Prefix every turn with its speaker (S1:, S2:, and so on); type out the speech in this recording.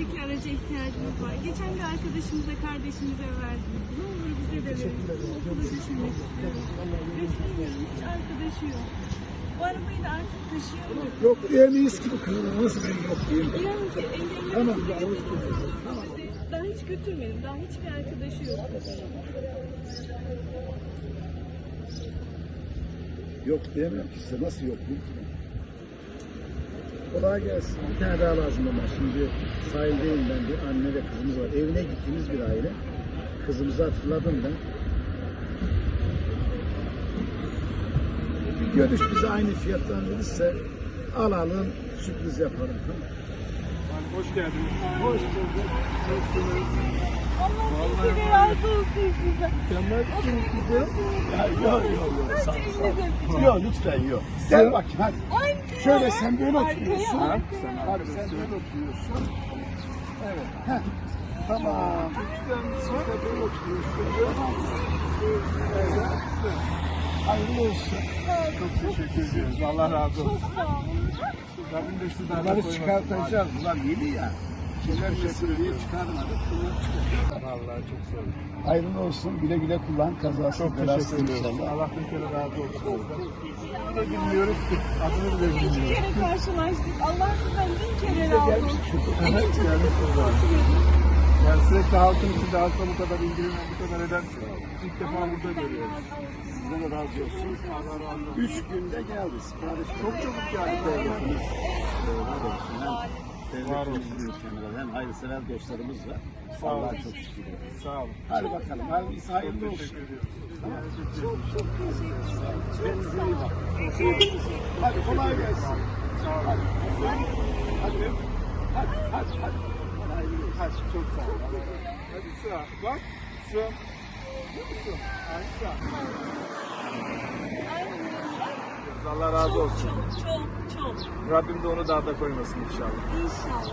S1: Buradaki araca ihtiyacımız var. Geçen de arkadaşımıza, kardeşimize verdik. Ne olur bize de verin. Okulu düşünmek istiyorum. Düşünmüyorum. Hiç arkadaşı yok. Bu arabayı da artık taşıyamıyorum.
S2: Yok diyemeyiz ki bu kızın nasıl bir yok diyeyim.
S1: Diyorum ki engelli
S2: Tamam.
S1: daha hiç götürmedim. Daha hiçbir arkadaşı yok.
S2: Yok diyemem ki size nasıl yok bu? Kolay gelsin. Bir tane daha lazım ama şimdi sahildeyim ben, bir anne ve kızımız var. Evine gittiğimiz bir aile. Kızımızı hatırladım ben. Bir görüş bize aynı fiyattan verirse alalım, sürpriz yapalım. Tamam.
S3: Hoş geldiniz.
S2: Hoş bulduk. Nasılsınız?
S1: Allah bir kere razı olsun size.
S2: Mükemmelsiniz kızım. Yok. Sağ ol. Yok lütfen yok. Gel bakayım hadi. Şöyle sen böyle oturuyorsun.
S1: Arkaya.
S2: Hadi sen böyle oturuyorsun. Evet. Heh. Tamam. Sen de böyle oturuyorsun. Evet. Hayırlı olsun.
S3: Çok teşekkür ediyoruz. Allah razı olsun.
S1: Çok sağ olun.
S3: Rabbim de sizden
S2: Bunları çıkartacağız. Bunlar yeni ya. Kimler mesul diye çıkarmadık. Bunları çıkartacağız.
S3: Vallahi çok sağ olun.
S2: Hayırlı olsun. Güle güle kullan. Kazasız
S3: Çok
S2: belasız
S3: teşekkür ediyoruz.
S2: inşallah.
S3: Allah bir kere razı olsun sizden. Yine bilmiyoruz ki. Adını bile
S1: İki
S3: bilmiyoruz.
S1: kere karşılaştık. Allah sizden bin kere razı olsun.
S3: Evet, yani sürekli halkın içinde halkla bu kadar ilgilenen, bu kadar eden ilk defa burada görüyoruz.
S2: Size de razı olsun.
S3: Allah razı olsun.
S2: 3 günde geldi. Sipariş
S3: Çok çabuk geldi.
S2: devletimiz var olsun.
S3: Var
S2: Hem
S3: olsun.
S2: devletimizin ülkemizde hem hayırsever dostlarımız var.
S3: Sağ olun.
S2: Allah'a çok şükür.
S3: Sağ olun.
S2: Hadi bakalım. Hadi hayırlı olsun.
S3: Teşekkür ediyoruz.
S1: Çok teşekkür ederim.
S2: Kendinize iyi bakın. Hadi kolay gelsin.
S3: Sağ olun.
S2: Hadi. Hadi. Hadi.
S3: Hadi çok sağ olun. Hadi sıra. Bak. Sıra. Musun? Aynı sıra. Allah razı olsun.
S1: Çok.
S3: Rabbim de onu daha da koymasın inşallah.
S1: İnşallah.